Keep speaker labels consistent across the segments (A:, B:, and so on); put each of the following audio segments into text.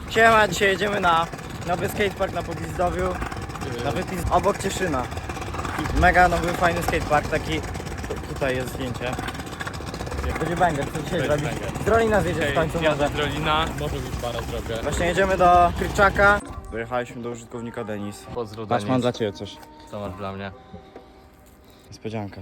A: Siema, dzisiaj jedziemy na nowy skatepark na Pogwizdowiu. Obok Cieszyna. Mega nowy, fajny skatepark, taki... Tutaj jest zdjęcie. Będzie banger, co dzisiaj zrobić? Z Drolina zjedzie w końcu może.
B: Z Drolina, może być para zrobię.
A: Właśnie jedziemy do Kryczaka. Dojechaliśmy do użytkownika Denis.
B: Pozdro,
A: Patrz,
B: Denis.
A: mam dla Ciebie coś.
B: Co masz dla mnie?
A: Niespodzianka.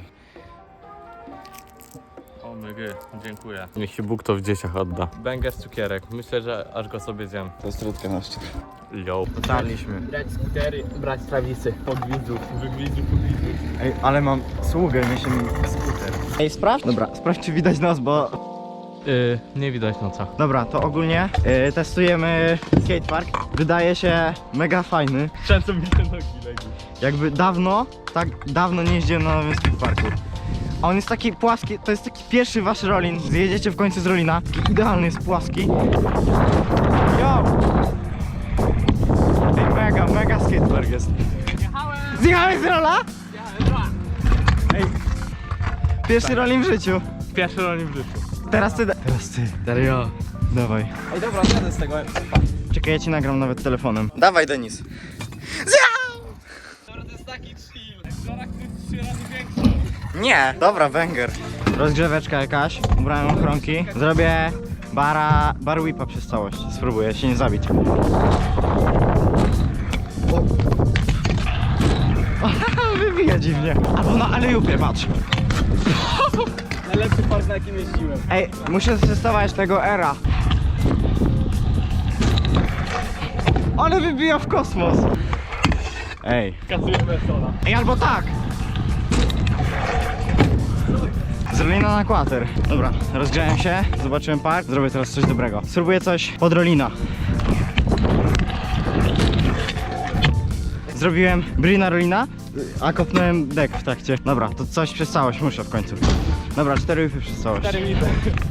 B: O mygy, dziękuję. Niech się Bóg to w dzieciach odda. Bęgę z cukierek, myślę, że aż go sobie zjem.
A: To jest trudka na szczyt.
B: Yo.
A: Dotarliśmy.
B: Brać skutery, brać trawisy. Podwidzów, wygwidzów.
A: Ej, ale mam sługę, niesie mi skuter. Ej, sprawdź? Dobra, sprawdź czy widać nos, bo...
B: Nie widać noca.
A: Dobra, to ogólnie testujemy skatepark. Wydaje się mega fajny.
B: Często mi te nogi legły.
A: Jakby tak dawno nie jeździłem na nowym skateparku. A on jest taki płaski, to jest taki pierwszy wasz rolin. Zjedziecie w końcu z rolina. Taki idealny jest płaski. Yo! Ej, mega skatepark jest. Zjechałeś z rola? Ej, pierwszy rolin w życiu.
B: Pierwszy rolnik w życiu.
A: Teraz ty.
B: Serio?
A: Dawaj.
B: Ej dobra, jadę z tego.
A: Czekaj, ja ci nagram nawet telefonem. Dawaj, Denis.
B: To jest taki chill. Wczoraj jest 3 razy większy.
A: Nie, dobra, węgier. Rozgrzeweczka jakaś, ubrałem ochronki. Zrobię bar whipa przez całość. Spróbuję się nie zabić. Wybija dziwnie. Albo na alejupie, patrz.
B: Najlepszy park, na jakim jeździłem.
A: Ej, muszę testować tego era. Ale wybija w kosmos. Ej.
B: Kasujemy sola.
A: Ej, albo tak. Z Rolina na Quater. Dobra, rozgrzałem się, zobaczyłem park, zrobię teraz coś dobrego. Spróbuję coś pod Rolina. Zrobiłem Brina Rolina, a kopnąłem dek w trakcie. Dobra, to coś przez całość muszę w końcu. Dobra, 4 whipy przez całość.
B: 4 minuty.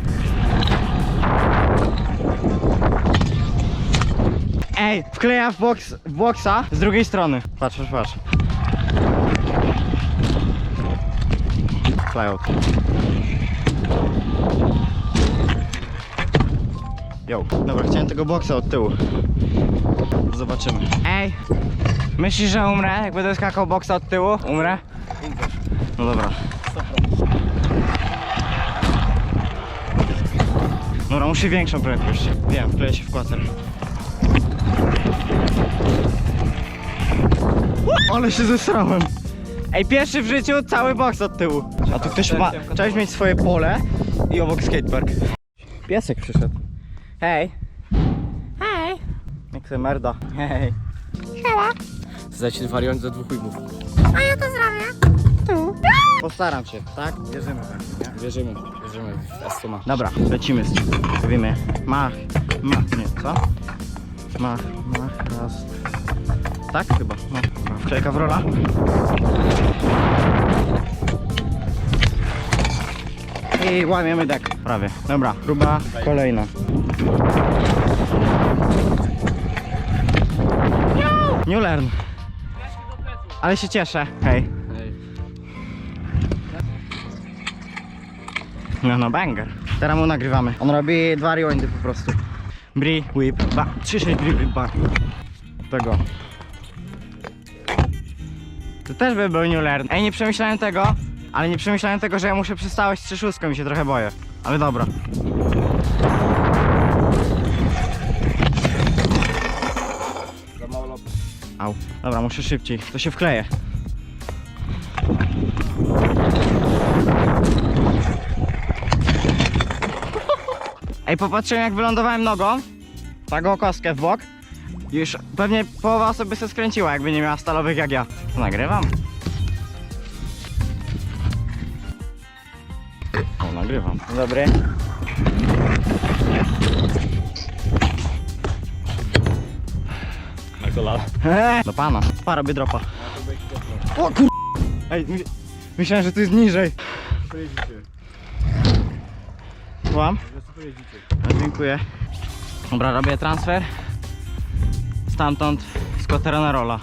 A: Ej, wkleja w boxa z drugiej strony. Patrz. Flyout. Yo. Dobra, chciałem tego boksa od tyłu. Zobaczymy. Ej, myślisz, że umrę? Jak będę skakał boksa od tyłu? Umrę? No dobra. Dobra, muszę większą prędkość. Wiem, wkleję się w kwater. Ale się zesrałem. Ej, pierwszy w życiu cały boks od tyłu. A tu ktoś ma... Chciałeś mieć swoje pole i obok skatepark. Piesek przyszedł. Hej. Hej. Jak se merda. Hej.
B: Zdajcie wariant za 2 ujmów.
C: A ja to zrobię. Tu.
A: Postaram się, tak? Wierzymy we mnie, nie?
B: Wierzymy w Estoma.
A: Dobra, lecimy. Zrobimy mach, nie, co? Mach, raz. Tak chyba, no. Wklejka w rola. I łamiemy dek, prawie. Dobra, próba kolejna. New learn. Ale się cieszę, hej. No, banger. Teraz mu nagrywamy. On robi 2 rewindy po prostu. Bri, whip, 3-6 bri, whip, bar. Tego. To też by był new learn. Ej, nie przemyślałem tego, ale nie przemyślałem tego, że ja muszę przystawać z 3-6 i się trochę boję. Ale dobra. Au. Dobra, muszę szybciej. To się wkleje. Ej, popatrzyłem jak wylądowałem nogą. Taką kostkę w bok. Już pewnie połowa osób by się skręciła, jakby nie miała stalowych jak ja. To nagrywam. O, nagrywam. Dzień dobry.
B: Na kolana.
A: Do pana. Pa, robię dropa. O kur... Ej, myślałem, że tu jest niżej. Słucham? Dziękuję. Dobra, robię transfer. Stamtąd z Quatera na rola.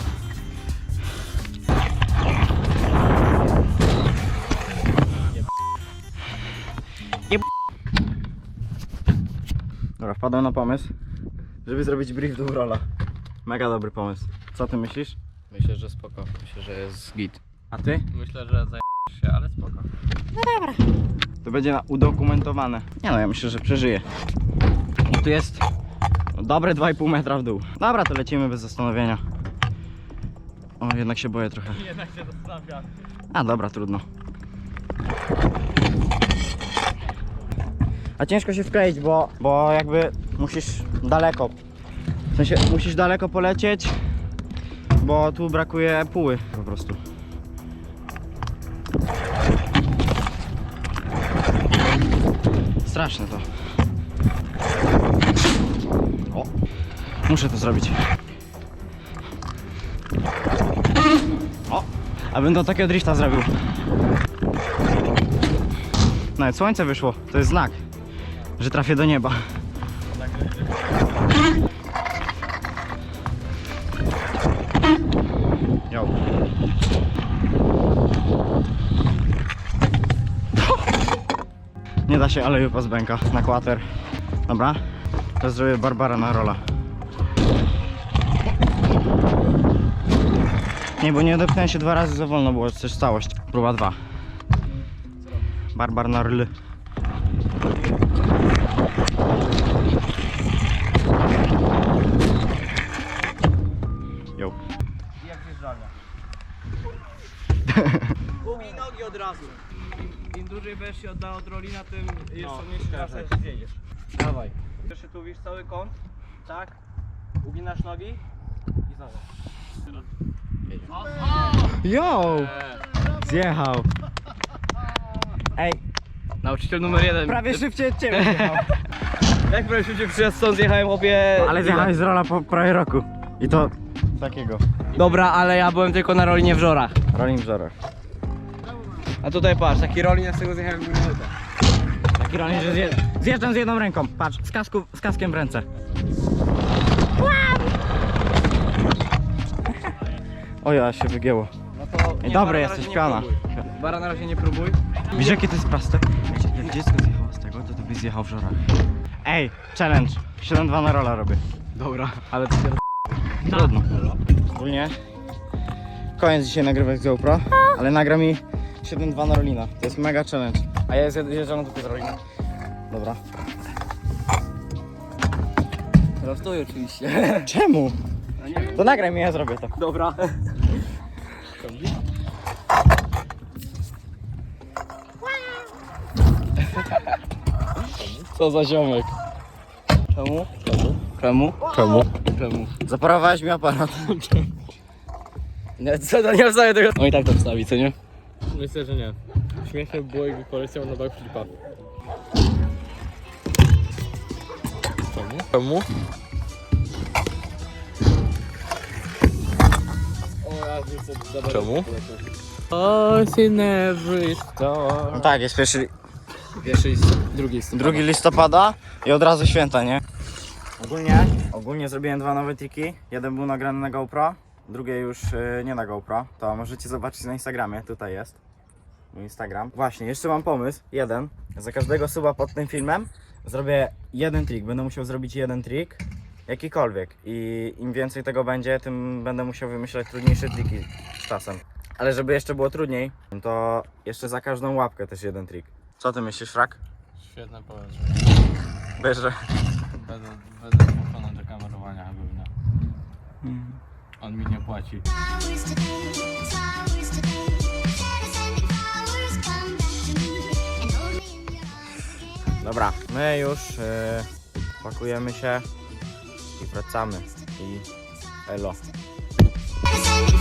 A: Dobra, wpadłem na pomysł. żeby zrobić brief do rola. Mega dobry pomysł. Co ty myślisz?
B: Myślę, że spoko. Myślę, że jest git.
A: A ty?
B: Myślę, że zajmiesz się, ale spoko.
A: To będzie udokumentowane. Nie no, ja myślę, że przeżyję. Tu jest dobre 2,5 metra w dół. Dobra, to lecimy bez zastanowienia. O, jednak się boję trochę.
B: Jednak się zastanawia.
A: A dobra, trudno. A ciężko się wkleić, bo jakby musisz daleko. W sensie musisz daleko polecieć, bo tu brakuje póły po prostu. Straszne to. O, muszę to zrobić. O, abym do takiego drifta zrobił. Nawet słońce wyszło, to jest znak, że trafię do nieba. Jo. Nie da się, ale już z bęka na kwater. Dobra, teraz zrobię Barbara na rola. Nie, bo nie odepchnąłem się 2 razy za wolno, było coś całość. Próba 2. Barbar na rl. Jo.
D: Jak zjeżdżalnia. Ubij nogi od razu. Im dłużej będziesz się oddał od rolina, tym jest mniejszy szansa, że zjedziesz. Dawaj. Jeszcze tu widzisz cały kąt, tak? Uginasz nogi i znowu.
A: Jo! Zjechał. Ej,
D: Nauczyciel numer 1.
A: prawie szybciej od ciebie zjechał.
D: Jak prawie szybciej przyjazd stąd zjechałem obie...
A: Ale zjechałeś z rola po prawie roku. I to takiego.
D: Dobra, ale ja byłem tylko na rolinie w żorach.
A: Rolling w żorach.
D: A tutaj patrz, taki rolin, ja z tego zjechałem minutę.
A: Taki rolling, że zjeżdżam z jedną ręką. Patrz, z kaskiem w ręce. O ja, się wygięło.
D: No to...
A: Ej, dobry jesteś, piana.
D: Bara na razie nie próbuj.
A: Widzisz jakie to jest proste? Jak dziecko zjechało z tego, to byś zjechał w żorach. Ej, challenge. 7-2 na rola robię.
D: Dobra, ale to się...
A: Trudno. Ogólnie koniec dzisiaj nagrywek z GoPro, ale nagra mi 7-2 na rolina. To jest mega challenge. A ja zjeżdżam tylko z rolina. Dobra.
D: Prostuj oczywiście.
A: Czemu? To nagraj mi, ja zrobię to.
D: Dobra.
B: Co za ziomek?
A: Czemu? Czemu?
B: Czemu?
D: Czemu?
A: Zaparowałeś mi aparat.
D: Nie, co, to nie wstawię tego. No i tak to wstawi, co nie?
B: Myślę, że nie. Śmieszne było, jakby poleciał na backflipa. Czemu? Czemu? Czemu? What's in every store?
A: No tak, jest
D: Pierwszy i drugi.
A: 2 listopada i od razu święta, nie? Ogólnie zrobiłem 2 nowe triki. Jeden był nagrany na GoPro, drugie już nie na GoPro. To możecie zobaczyć na Instagramie, tutaj jest mój Instagram. Właśnie, jeszcze mam pomysł, jeden. Za każdego suba pod tym filmem zrobię jeden trik. Będę musiał zrobić jeden trik, jakikolwiek. I im więcej tego będzie, tym będę musiał wymyślać trudniejsze triki z czasem. Ale żeby jeszcze było trudniej, to jeszcze za każdą łapkę też jeden trik. Co ty myślisz, Frak?
B: Świetne pomysł.
A: Wiesz, że...
B: Będę zmuszony do kamerowania chyba. On mi nie płaci.
C: Flowers today, flowers today. Share the sending flowers, come back to me and hold me in your arms again.
A: Dobra, my już pakujemy się i wracamy. I elo.
C: Share the sending